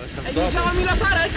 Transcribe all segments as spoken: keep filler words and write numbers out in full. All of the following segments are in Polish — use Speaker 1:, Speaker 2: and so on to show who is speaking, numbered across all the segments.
Speaker 1: Ej, nie działa mi latarek!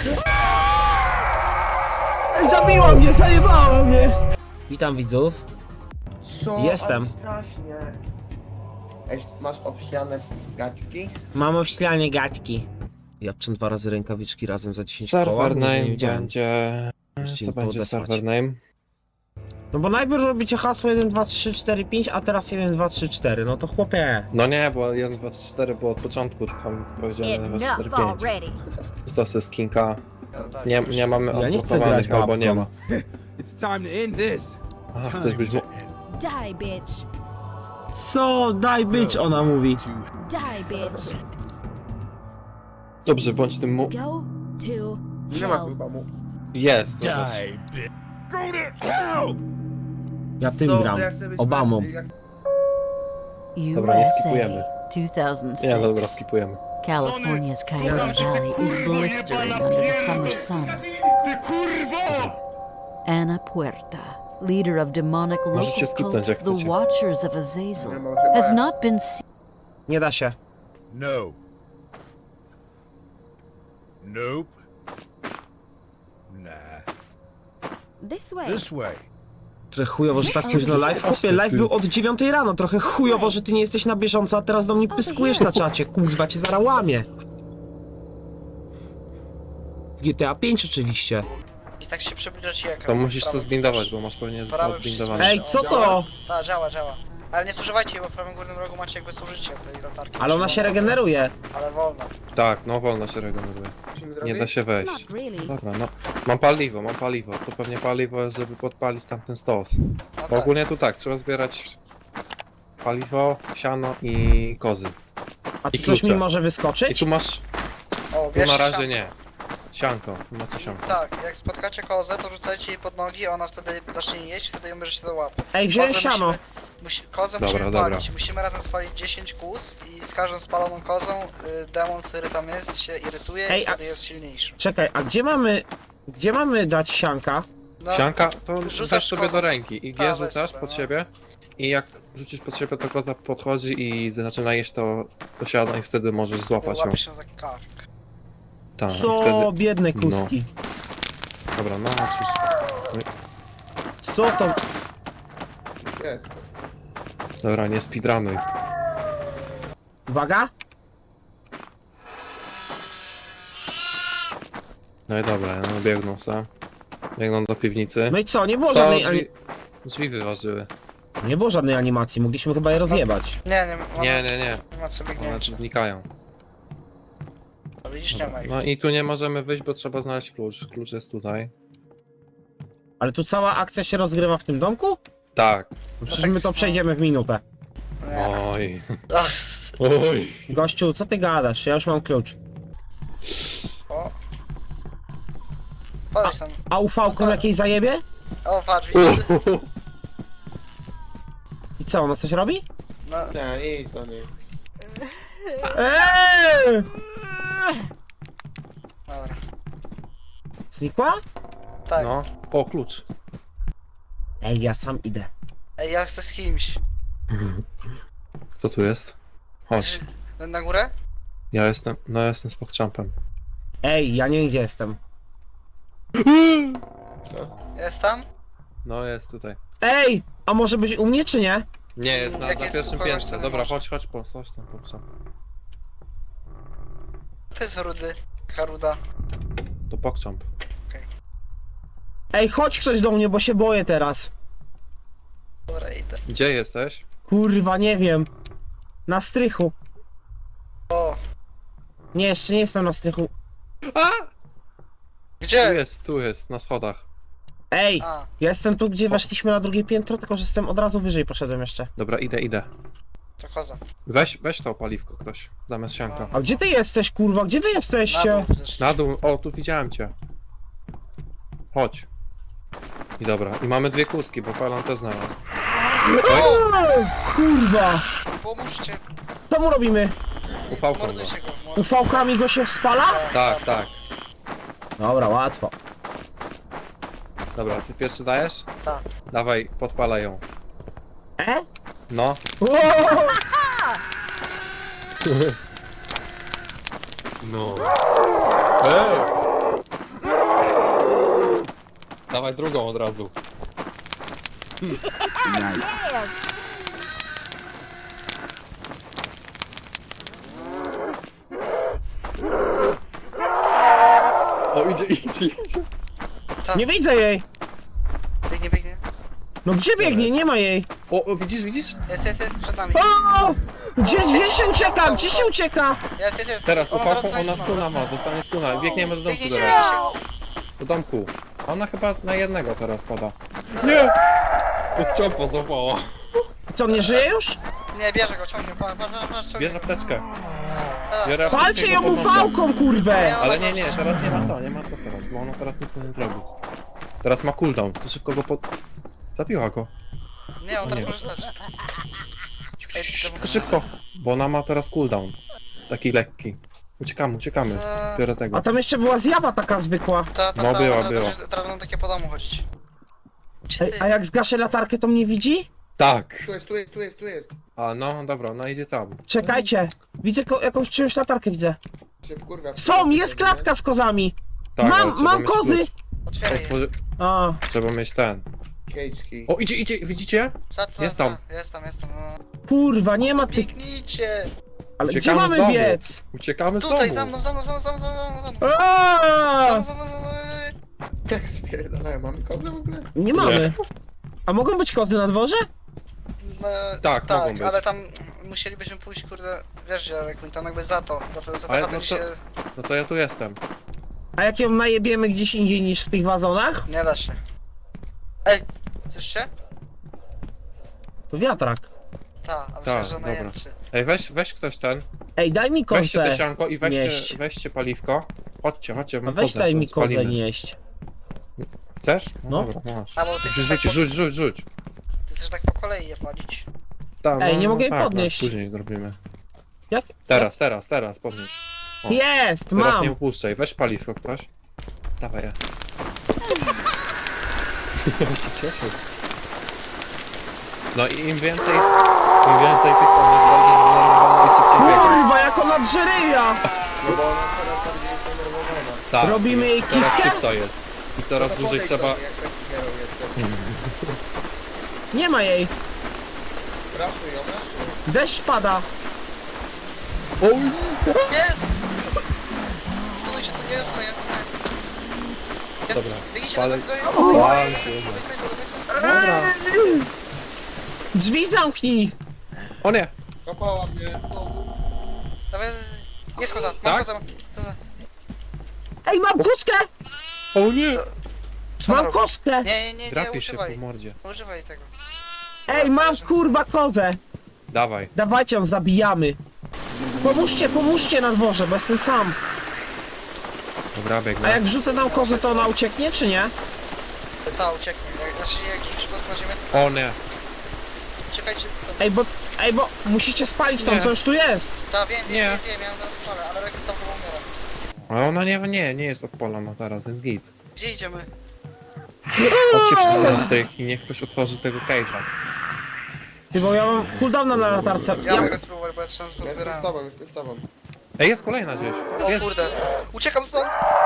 Speaker 1: Ej, zabiła mnie, zajebała mnie! Witam widzów.
Speaker 2: Co?
Speaker 1: Jestem.
Speaker 2: Ale strasznie. Ej, masz obsiane gaćki?
Speaker 1: Mam obślanie gaćki. Japczę dwa razy rękawiczki razem za dziesięć koła.
Speaker 3: Server
Speaker 1: Nigdy nie
Speaker 3: name
Speaker 1: widziałem.
Speaker 3: będzie...
Speaker 1: Możecie
Speaker 3: Co
Speaker 1: mi
Speaker 3: będzie
Speaker 1: podesłać.
Speaker 3: server name?
Speaker 1: No bo najpierw robicie hasło jeden, dwa, trzy, cztery, pięć, a teraz jeden, dwa, trzy, cztery. No to chłopie.
Speaker 3: No nie, bo jeden, dwa, trzy, cztery było od początku, tylko powiedziałem jeden, dwa, trzy, cztery,
Speaker 4: Enough
Speaker 3: pięć.
Speaker 4: already.
Speaker 3: Stosy skinka.
Speaker 2: No tak,
Speaker 3: Nie, nie mamy
Speaker 1: Ja nie chcę
Speaker 3: odblokowanych,
Speaker 1: grać
Speaker 3: albo nie
Speaker 1: babką.
Speaker 3: ma.
Speaker 5: It's time to end this.
Speaker 3: Aha, chcesz być... mo-
Speaker 4: Die, bitch.
Speaker 1: Co? Daj być, ona mówi.
Speaker 4: Die, bitch.
Speaker 3: Dobrze, bądź tym mu...
Speaker 4: Go to
Speaker 2: Nie ma
Speaker 4: hell.
Speaker 2: chyba mu.
Speaker 3: Jest, zobacz.
Speaker 5: Die, bitch. Go to hell!
Speaker 1: Ja tym
Speaker 2: Co?
Speaker 1: gram.
Speaker 2: Ja chcę być
Speaker 1: Obamą.
Speaker 2: jak-
Speaker 3: Dobra, nie skipujemy.
Speaker 4: two thousand
Speaker 3: Nie, dobra,
Speaker 4: six.
Speaker 3: skipujemy.
Speaker 4: California's Coyote
Speaker 5: Kocham cię, ty
Speaker 4: Valley is
Speaker 5: kurwo
Speaker 4: blistering
Speaker 5: jebana
Speaker 4: under the summer
Speaker 5: pierdol!
Speaker 4: sun.
Speaker 5: Ty kurwo!
Speaker 4: Anna Puerta, leader of demonic
Speaker 3: Możecie
Speaker 4: local
Speaker 3: skipnąć, jak
Speaker 4: cult, the
Speaker 3: chcecie.
Speaker 4: Watchers of Azazel,
Speaker 2: Nie, może
Speaker 4: has
Speaker 2: nie.
Speaker 4: not been seen.
Speaker 1: Nie da się.
Speaker 5: No. Nope. Nah.
Speaker 4: This way.
Speaker 5: This way.
Speaker 1: Trochę chujowo, że tak późno live. Chłopie, live był od dziewiątej rano. Trochę chujowo, że ty nie jesteś na bieżąco, a teraz do mnie pyskujesz na czacie. Kurwa, cię zaraz łamie. W G T A pięć oczywiście.
Speaker 6: I tak się przybliża ci ekran.
Speaker 3: To musisz
Speaker 6: Prawy
Speaker 3: to zbindować,
Speaker 6: przycisk.
Speaker 3: bo masz pewnie
Speaker 6: Prawy
Speaker 3: odbindowane.
Speaker 6: przycisk.
Speaker 1: Ej, co to?
Speaker 6: Tak, działa, działa. Ale nie zużywajcie jej, bo w prawym górnym rogu macie jakby zużycie tej latarki.
Speaker 1: Ale ona się regeneruje.
Speaker 6: Ale wolno.
Speaker 3: Tak, no wolno się regeneruje.
Speaker 2: Musimy
Speaker 3: Nie
Speaker 2: zrobić?
Speaker 3: da się wejść.
Speaker 4: Not really.
Speaker 3: Dobra, no. Mam paliwo, mam paliwo. To pewnie paliwo jest, żeby podpalić tamten stos.
Speaker 6: No
Speaker 3: Bo
Speaker 6: tak.
Speaker 3: ogólnie tu tak, trzeba zbierać paliwo, siano i kozy.
Speaker 1: A tu
Speaker 3: I
Speaker 1: coś mi
Speaker 3: klucze.
Speaker 1: może
Speaker 3: I
Speaker 1: wyskoczyć?
Speaker 3: tu masz,
Speaker 6: O,
Speaker 3: tu
Speaker 6: bierzcie
Speaker 3: na razie
Speaker 6: sianko.
Speaker 3: nie. Sianko, tu macie sianko.
Speaker 6: Tak, jak spotkacie kozę, to rzucajcie jej pod nogi, ona wtedy zacznie jeść, wtedy ją bierzecie do łapy.
Speaker 1: Ej, wziąłem
Speaker 6: Kozę
Speaker 1: siano.
Speaker 6: Musimy, musi, kozę
Speaker 3: Dobra,
Speaker 6: musimy
Speaker 3: dobra.
Speaker 6: palić. Musimy razem spalić dziesięć kóz i z każdą spaloną kozą y, demon, który tam jest, się irytuje
Speaker 1: Ej,
Speaker 6: i
Speaker 1: a-
Speaker 6: wtedy jest silniejszy.
Speaker 1: Czekaj, a gdzie mamy... Gdzie mamy dać sianka?
Speaker 6: No,
Speaker 3: Sianka to
Speaker 6: rzucasz
Speaker 3: rzucasz sobie
Speaker 6: kozą.
Speaker 3: do ręki i
Speaker 6: Tak,
Speaker 3: G
Speaker 6: weź
Speaker 3: rzucasz
Speaker 6: sobie,
Speaker 3: pod
Speaker 6: no.
Speaker 3: siebie i jak rzucisz pod siebie, to koza podchodzi i zaczyna jeść to, to siano i wtedy możesz
Speaker 6: Wtedy
Speaker 3: złapać ją.
Speaker 6: łapiesz się za kark.
Speaker 3: Tak, i
Speaker 1: Co?
Speaker 3: wtedy...
Speaker 1: Biedne kuski.
Speaker 3: Dobra, no oczywiście.
Speaker 1: Co to?
Speaker 2: Jest.
Speaker 3: Dobra, nie speedrunuj.
Speaker 1: Uwaga?
Speaker 3: No i dobra, no biegną se. Biegną do piwnicy.
Speaker 1: No i co? Nie było
Speaker 3: Co?
Speaker 1: żadnej...
Speaker 3: Drzwi,
Speaker 1: Ani...
Speaker 3: drzwi wyważyły.
Speaker 1: Nie było żadnej animacji, mogliśmy chyba je rozjebać.
Speaker 6: Nie, nie, ona,
Speaker 3: Nie, nie, nie.
Speaker 6: nie ma co
Speaker 3: One
Speaker 6: biegnięcia.
Speaker 3: tu znikają.
Speaker 6: No widzisz, nie ma ich.
Speaker 3: No i tu nie możemy wyjść, bo trzeba znaleźć klucz. Klucz jest tutaj.
Speaker 1: Ale tu cała akcja się rozgrywa w tym domku?
Speaker 3: Tak.
Speaker 1: No przecież my to przejdziemy w minutę.
Speaker 6: Nie.
Speaker 3: Oj.
Speaker 6: Ach,
Speaker 3: Oj.
Speaker 1: Gościu, co ty gadasz? Ja już mam klucz.
Speaker 6: o. Podejdź tam.
Speaker 1: A ufałką jakiej zajebie?
Speaker 6: O, patrz, widzisz?
Speaker 1: I co, ona coś robi?
Speaker 6: No,
Speaker 2: Nie, idź do niej.
Speaker 1: Eee!
Speaker 6: dobra.
Speaker 1: Znikła?
Speaker 6: Tak.
Speaker 3: No. O, klucz.
Speaker 1: Ej, ja sam idę.
Speaker 6: Ej, ja chcę z kimś.
Speaker 3: Kto tu jest? Chodź.
Speaker 6: Na górę?
Speaker 3: Ja jestem, no ja jestem z pokczampem.
Speaker 1: Ej, ja nie wiem gdzie jestem.
Speaker 2: Co?
Speaker 6: Jest tam?
Speaker 3: No jest tutaj.
Speaker 1: Ej! A może być u mnie czy nie?
Speaker 3: Nie, jest na,
Speaker 6: Jak
Speaker 3: na
Speaker 6: jest
Speaker 3: pierwszym
Speaker 6: u kogoś,
Speaker 3: piętrze.
Speaker 6: to nie
Speaker 3: Dobra,
Speaker 6: może.
Speaker 3: chodź, chodź po, chodź tam pokczamp.
Speaker 6: To jest rudy. Haruda.
Speaker 3: To pokczamp.
Speaker 1: Ej, chodź ktoś do mnie, bo się boję teraz.
Speaker 6: Dobra, idę.
Speaker 3: Gdzie jesteś?
Speaker 1: Kurwa, nie wiem. Na strychu.
Speaker 6: O,
Speaker 1: Nie, jeszcze nie jestem na strychu.
Speaker 3: Tu
Speaker 6: gdzie?
Speaker 3: jest, tu jest, na schodach.
Speaker 1: Ej!
Speaker 6: A,
Speaker 1: Ja jestem tu, gdzie weszliśmy na drugie piętro, tylko że jestem od razu wyżej poszedłem jeszcze.
Speaker 3: Dobra, idę, idę.
Speaker 6: to koza.
Speaker 3: Weź, weź to paliwko ktoś, zamiast sianka.
Speaker 1: A gdzie ty jesteś, kurwa? Gdzie wy
Speaker 6: Na
Speaker 1: jesteście?
Speaker 6: dół zeszli.
Speaker 3: Na dół, o, tu widziałem cię. Chodź. I dobra, i mamy dwie kuski, bo Palan też znalazł.
Speaker 1: O, kurwa!
Speaker 6: Pomóżcie.
Speaker 1: Co mu robimy?
Speaker 3: Ufałką go.
Speaker 6: Mordujcie go. mord-
Speaker 1: Ufałkami go się spala?
Speaker 3: Tak, tak.
Speaker 1: Dobra, łatwo.
Speaker 3: Dobra, ty pierwszy dajesz?
Speaker 6: Tak.
Speaker 3: Dawaj, podpalaj ją.
Speaker 1: E?
Speaker 3: No.
Speaker 1: O!
Speaker 3: No. Ej! Dawaj drugą od razu. O, idzie, idzie, idzie.
Speaker 1: Nie widzę jej!
Speaker 6: Biegnie, biegnie.
Speaker 1: No gdzie biegnie? Nie ma jej!
Speaker 3: O, o, widzisz, widzisz?
Speaker 6: Jest, jest, jest przed nami.
Speaker 1: O! Gdzie, gdzie się ucieka? Gdzie się ucieka?
Speaker 6: Jest, jest, jest.
Speaker 3: Teraz,
Speaker 6: Ona
Speaker 3: upałką,
Speaker 6: dostanie
Speaker 3: ona
Speaker 6: stuna,
Speaker 3: stuna ma,
Speaker 6: dostanie
Speaker 3: dostanie stuna. Biegniemy do domku
Speaker 6: Biegniecie,
Speaker 3: teraz.
Speaker 6: biegniecie.
Speaker 3: Do domku. Ona chyba na jednego teraz pada. Nie! To ciopo złapała.
Speaker 1: Co, nie żyje już?
Speaker 6: Nie, bierze go, ciągnie, patrz, patrz, patrz, ciągnie.
Speaker 3: Bierz apteczkę.
Speaker 6: Tak.
Speaker 3: Biorę
Speaker 1: Palcie
Speaker 3: apteczkę,
Speaker 1: ją
Speaker 3: bo podnosi.
Speaker 1: ufałką, kurwę!
Speaker 3: Ale nie, nie, teraz nie ma co, nie ma co teraz, bo ona teraz nic mu nie zrobi. Teraz ma cooldown, to szybko go pod... Zabiła go.
Speaker 6: Nie, on teraz
Speaker 3: nie.
Speaker 6: może stać. Ej,
Speaker 3: Szybko, szybko, bo ona ma teraz cooldown. Taki lekki. Uciekamy, uciekamy.
Speaker 6: Eee.
Speaker 3: Biorę tego.
Speaker 1: A tam jeszcze była zjawa taka zwykła.
Speaker 6: Ta, ta,
Speaker 3: No
Speaker 6: ta,
Speaker 3: była,
Speaker 6: teraz
Speaker 3: była.
Speaker 6: będzie- Teraz będą takie po domu chodzić. Gdzie
Speaker 1: Ej,
Speaker 6: ty?
Speaker 1: a jak zgaszę latarkę, to mnie widzi?
Speaker 3: Tak.
Speaker 2: Tu jest, tu jest, tu jest, tu jest.
Speaker 3: A no, dobra, ona idzie tam.
Speaker 1: Czekajcie. Widzę ko- jakąś czyjąś latarkę, widzę.
Speaker 2: Się wkurwia.
Speaker 1: Są, jest klatka z kozami!
Speaker 3: Tak, ale
Speaker 1: Mam,
Speaker 3: trzeba
Speaker 1: mam
Speaker 3: mieć
Speaker 1: kody!
Speaker 3: klucz.
Speaker 6: Otwieraj je.
Speaker 3: Otworzy...
Speaker 1: A,
Speaker 3: Trzeba mieć ten.
Speaker 2: Cage key.
Speaker 3: O, idzie, idzie, widzicie?
Speaker 6: Ta, ta,
Speaker 3: Jest
Speaker 6: ta,
Speaker 3: tam.
Speaker 6: Jest tam, jest tam. No.
Speaker 1: kurwa, nie ma tych...
Speaker 6: Biegnijcie!
Speaker 1: Ale gdzie
Speaker 3: Uciekamy z
Speaker 1: mamy
Speaker 3: domu.
Speaker 1: biec?
Speaker 3: Uciekamy z
Speaker 6: Tutaj,
Speaker 3: domu.
Speaker 6: za mną, za mną, za mną, za mną, za mną, za mną.
Speaker 1: Aaaa!
Speaker 6: Za mną, za mną, za mną.
Speaker 2: Jak spierdalają, mamy kozę w ogóle?
Speaker 1: Nie mamy. A mogą być kozy na dworze?
Speaker 6: No,
Speaker 3: Tak, mogą
Speaker 6: tak,
Speaker 3: być.
Speaker 6: ale tam musielibyśmy pójść, kurde, wiesz gdzie, Rekwin, tam jakby za to, za to, za
Speaker 3: Ale
Speaker 6: to,
Speaker 3: no
Speaker 6: no
Speaker 3: to-
Speaker 6: się
Speaker 3: No to ja tu jestem.
Speaker 1: A jak ją najebiemy gdzieś indziej niż w tych wazonach?
Speaker 6: nie da się. Ej, słyszycie?
Speaker 1: To wiatrak.
Speaker 6: Ta, a myślę,
Speaker 3: Tak,
Speaker 6: że
Speaker 3: dobra.
Speaker 6: najęczy.
Speaker 3: Ej, weź, weź ktoś ten.
Speaker 1: Ej, daj mi
Speaker 3: Weźcie
Speaker 1: kozę
Speaker 3: te sianko i weźcie,
Speaker 1: nieść.
Speaker 3: weźcie paliwko. Chodźcie, chodźcie,
Speaker 1: A
Speaker 3: mam
Speaker 1: weź
Speaker 3: kozę,
Speaker 1: daj
Speaker 3: to
Speaker 1: mi kozę
Speaker 3: spalimy.
Speaker 1: nieść.
Speaker 3: Chcesz?
Speaker 1: No.
Speaker 3: Dobra, masz.
Speaker 6: A bo ty chcesz
Speaker 3: Rzuć,
Speaker 6: tak po,
Speaker 3: rzuć, rzuć, rzuć.
Speaker 6: ty chcesz tak po kolei je palić.
Speaker 3: Ta,
Speaker 1: Ej, nie mogę jej
Speaker 3: tak,
Speaker 1: podnieść.
Speaker 3: Tak, później zrobimy.
Speaker 1: Jak?
Speaker 3: Teraz, teraz, teraz, podnieś. O,
Speaker 1: Jest,
Speaker 3: Teraz
Speaker 1: mam!
Speaker 3: nie upuszczaj, weź paliwko ktoś. Dawaj ja. Ja się cieszę. No i im więcej, im więcej tych tam jest bardziej zdenerwowana i szybciej biega.
Speaker 1: Kurwa, jak ona drzeryja!
Speaker 2: No bo ona coraz bardziej zdenerwowana.
Speaker 3: Tak,
Speaker 1: Robimy jej
Speaker 3: coraz
Speaker 1: kiwkę?
Speaker 3: szybsza jest. I coraz
Speaker 2: To
Speaker 3: dłużej
Speaker 2: podejdź
Speaker 3: trzeba...
Speaker 2: do mnie, jak tak zbierał jeszcze.
Speaker 1: Nie ma jej.
Speaker 2: Raszuj ją, raszuj.
Speaker 1: Deszcz pada.
Speaker 6: Jest! Stunujcie, to nie jest, to jest, to jest. Jest,
Speaker 3: Dobra,
Speaker 6: wyjdźcie
Speaker 3: palę-
Speaker 6: do do- do- do-
Speaker 3: Palę
Speaker 6: do-
Speaker 3: się.
Speaker 6: do basementu, do basementu.
Speaker 1: Drzwi zamknij!
Speaker 3: O nie!
Speaker 2: Kopała mnie znowu.
Speaker 6: Dawaj, jest koza, mam
Speaker 3: Tak?
Speaker 6: kozę, mam kozę.
Speaker 1: Ej, mam kostkę!
Speaker 3: O nie!
Speaker 6: Co ona
Speaker 1: Mam
Speaker 6: robi?
Speaker 1: kostkę!
Speaker 6: Nie, nie, nie, nie,
Speaker 3: Drapie się
Speaker 6: używaj.
Speaker 3: po mordzie.
Speaker 6: Używaj tego.
Speaker 1: Ej, mam kurwa kozę!
Speaker 3: Dawaj.
Speaker 1: Dawajcie ją, zabijamy. Pomóżcie, pomóżcie na dworze, bo jestem sam.
Speaker 3: Dobra,
Speaker 1: A
Speaker 3: biegnę.
Speaker 1: jak wrzucę tam kozę, to ona ucieknie, czy nie?
Speaker 6: Ta, ucieknie. Jak- Znaczy, jak rzucisz koz na ziemię, to
Speaker 3: O nie!
Speaker 6: uciekajcie. To...
Speaker 1: Ej, bo, ej, bo musicie spalić tam,
Speaker 3: Nie.
Speaker 1: co już tu jest.
Speaker 6: Ta, wiem, wiem,
Speaker 3: Nie.
Speaker 6: wiem, wiem, ja ją zaraz spalę, ale Rekwin tam chyba umiera.
Speaker 3: Ale ona nie, nie, nie jest odpalona teraz, więc git.
Speaker 6: Gdzie idziemy?
Speaker 3: Chodźcie wszyscy z tych i niech ktoś otworzy tego cage'a.
Speaker 1: Ty, bo ja mam cooldowna na latarce.
Speaker 6: Ja
Speaker 1: Ja...
Speaker 6: mogę spróbować, bo ja jeszcze raz
Speaker 2: Ja jestem z
Speaker 6: pozbierałem.
Speaker 2: tobą, jestem z tobą.
Speaker 3: Ej, jest kolejna gdzieś.
Speaker 6: O
Speaker 3: Jest.
Speaker 6: kurde. Uciekam stąd!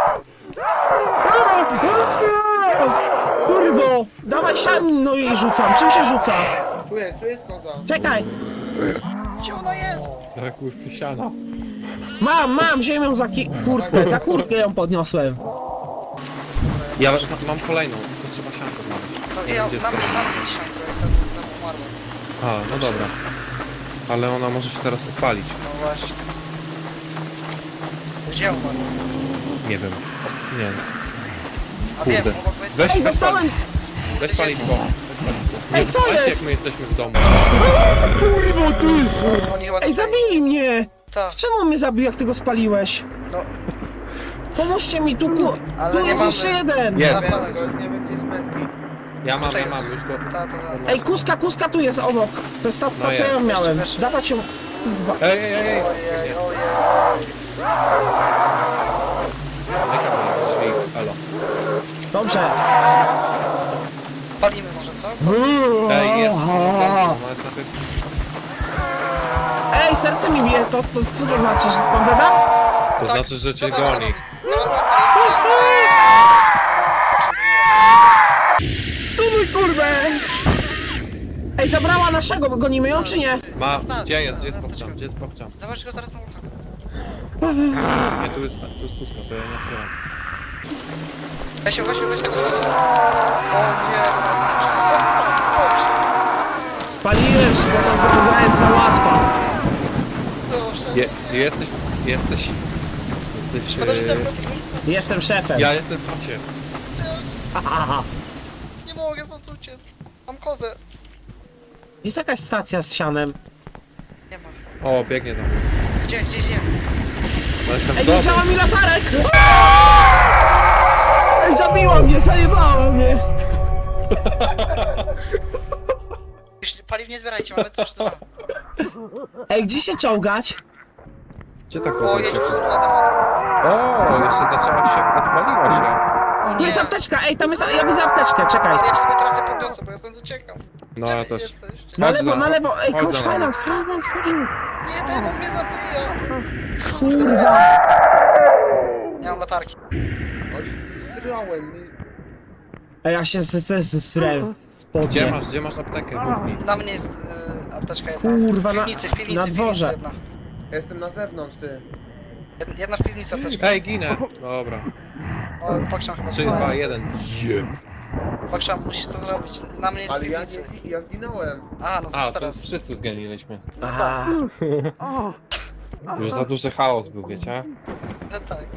Speaker 1: Kurbo! Dawaj sian, no i rzucam. Czym się rzuca?
Speaker 2: Tu jest, tu jest koza.
Speaker 1: Czekaj!
Speaker 6: Gdzie ona jest?
Speaker 3: Tak, kurwa, siana.
Speaker 1: Mam, mam ziemią za ki- kurtkę, za kurtkę ją podniosłem.
Speaker 3: Ja mam kolejną, to trzeba siankę znaleźć.
Speaker 6: No
Speaker 3: Nie
Speaker 6: ja,
Speaker 3: wiem, gdzie
Speaker 6: na
Speaker 3: jest
Speaker 6: mnie,
Speaker 3: kolejna.
Speaker 6: na mnie dzisiaj, projekt, tam, tam umarłem.
Speaker 3: A, no dobra. Ale ona może się teraz odpalić.
Speaker 6: No właśnie. Gdzie umarł?
Speaker 3: Nie wiem. Nie.
Speaker 6: A wiem,
Speaker 3: Kurde.
Speaker 6: obok wejścia.
Speaker 3: Weź,
Speaker 1: Ej,
Speaker 3: weź,
Speaker 1: dostałem!
Speaker 3: weź paliwko.
Speaker 1: Ej, co
Speaker 3: Patrzcie,
Speaker 1: jest?
Speaker 3: jak my jesteśmy w domu.
Speaker 1: Kurwo, ty!
Speaker 6: Oni chyba
Speaker 1: Ej,
Speaker 6: tutaj-
Speaker 1: zabili mnie!
Speaker 6: Tak,
Speaker 1: Czemu on mnie zabił, jak ty go spaliłeś?
Speaker 6: no,
Speaker 1: Pomóżcie mi, tu, ku...
Speaker 6: Ale
Speaker 1: tu
Speaker 6: nie
Speaker 1: jest
Speaker 6: mamy.
Speaker 1: jeszcze jeden!
Speaker 3: Jest.
Speaker 2: Nie wiem, tylko nie wiem, gdzie jest medkit.
Speaker 3: Ja mam,
Speaker 6: Tutaj
Speaker 3: ja
Speaker 6: jest.
Speaker 3: mam już go.
Speaker 6: ta, ta, ta.
Speaker 1: Ej, kuska, kuska tu jest obok. To jest to, to
Speaker 3: No
Speaker 1: co
Speaker 3: jest.
Speaker 1: ja ją miałem.
Speaker 6: Jeszcze, jeszcze.
Speaker 1: Dawać ją... Kurwa.
Speaker 3: Ej, ej, ej, ej.
Speaker 6: Ojej, ojej.
Speaker 3: Jaka była drzwi? Halo.
Speaker 1: Dobrze.
Speaker 6: Palimy może, co?
Speaker 3: Ej, jest. Ona jest na pewno.
Speaker 1: Ej, serce mi bije, to, to co to znaczy, że pan deda?
Speaker 3: To
Speaker 6: Tak,
Speaker 3: znaczy, że cię
Speaker 6: za nami, za
Speaker 3: goni.
Speaker 6: nami. Nie ma, nie ma,
Speaker 1: Stunuj, kurwę! Ej, zabrała naszego, gonimy ją czy nie?
Speaker 3: Ma,
Speaker 6: Zostaw.
Speaker 3: gdzie jest, gdzie jest popczam, gdzie jest popczam?
Speaker 6: Zobacz go zaraz na ucha.
Speaker 3: Nie, tu jest, tu jest kuska, to ja nie otwieram.
Speaker 6: Weź ją, weź ją, weź tego schodu. O nie, teraz spadł.
Speaker 1: Spaliłem, bo ta zabudowa jest za łatwa.
Speaker 6: Proszę.
Speaker 3: Je, jesteś, jesteś, jesteś...
Speaker 6: Szkoda, że
Speaker 3: Yy,
Speaker 6: ten
Speaker 1: Jestem szefem.
Speaker 3: ja jestem w chacie.
Speaker 6: Nie mogę stąd uciec. Mam kozę.
Speaker 1: Jest jakaś stacja z sianem.
Speaker 6: Nie ma.
Speaker 3: O, biegnie do mnie.
Speaker 6: Gdzie, gdzie, gdzie?
Speaker 3: No jestem w
Speaker 1: Ej, nie
Speaker 3: domu.
Speaker 1: działa mi latarek! Ej, zabiła mnie, zajebała mnie!
Speaker 6: Już paliw nie zbierajcie, mamy też dwa.
Speaker 1: Ej, gdzie się czołgać?
Speaker 3: Gdzie ta
Speaker 6: O,
Speaker 3: koza
Speaker 6: jedź, tu
Speaker 3: uciekła?
Speaker 6: są dwa demony.
Speaker 3: O, jeszcze zaczęła się, odpaliła się.
Speaker 6: O
Speaker 1: Tu
Speaker 6: nie.
Speaker 1: jest apteczka, ej, tam jest, ja widzę apteczkę, czekaj.
Speaker 6: Ja ci sobie teraz je podniosę, bo ja stąd uciekam.
Speaker 3: No
Speaker 6: Gdzie
Speaker 3: ja
Speaker 6: wy
Speaker 3: też.
Speaker 6: jesteście?
Speaker 1: Na
Speaker 3: Chodź
Speaker 1: lewo,
Speaker 3: za-
Speaker 1: na lewo, ej,
Speaker 3: chodź
Speaker 1: chodź,
Speaker 3: za nami.
Speaker 1: Finland, Finland, chodź.
Speaker 6: Nie, demon mnie zabija.
Speaker 1: Kurwa.
Speaker 6: Nie mam latarki.
Speaker 2: Chodź, zryłem mi.
Speaker 1: Ej, ja się zesrałem w
Speaker 3: Gdzie
Speaker 1: spodnie.
Speaker 3: masz, gdzie masz aptekę? Mów mi.
Speaker 6: Na mnie jest y, apteczka jedna.
Speaker 1: Kurwa,
Speaker 6: w
Speaker 1: na-
Speaker 6: piwnicy, w piwnicy,
Speaker 1: na
Speaker 6: w
Speaker 1: dworze.
Speaker 6: piwnicy jedna.
Speaker 2: Ja jestem na zewnątrz, ty.
Speaker 6: Jed- Jedna w piwnicy apteczka.
Speaker 3: Ej, ginę. Dobra.
Speaker 6: O, Paksham chyba
Speaker 3: trzy,
Speaker 6: dostałem.
Speaker 3: dwa, jeden. Jeb.
Speaker 6: Paksham, musisz to zrobić. Na mnie jest w
Speaker 2: Ale ja
Speaker 6: piwnicy.
Speaker 2: nie, ja zginąłem.
Speaker 6: A, no to
Speaker 3: A,
Speaker 6: już
Speaker 3: to
Speaker 6: teraz.
Speaker 3: wszyscy zganiliśmy.
Speaker 1: Aha.
Speaker 3: Już za duży chaos był, wiecie?
Speaker 6: No tak.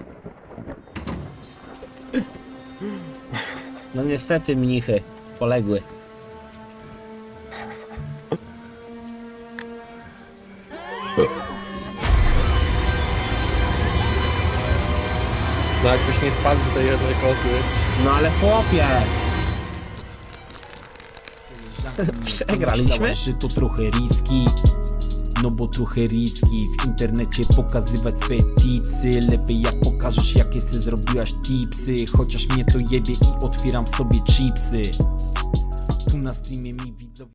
Speaker 1: No niestety, mnichy poległy.
Speaker 3: No jakbyś nie spadł do tej jednej kozy.
Speaker 1: No ale chłopie. Przegraliśmy?
Speaker 7: Myślałaś, że to trochę riski. No bo trochę riski w internecie pokazywać swoje tipsy. Lepiej jak pokażesz jakie se zrobiłaś tipsy. Chociaż mnie to jebie i otwieram sobie chipsy. Tu na streamie mi widzowie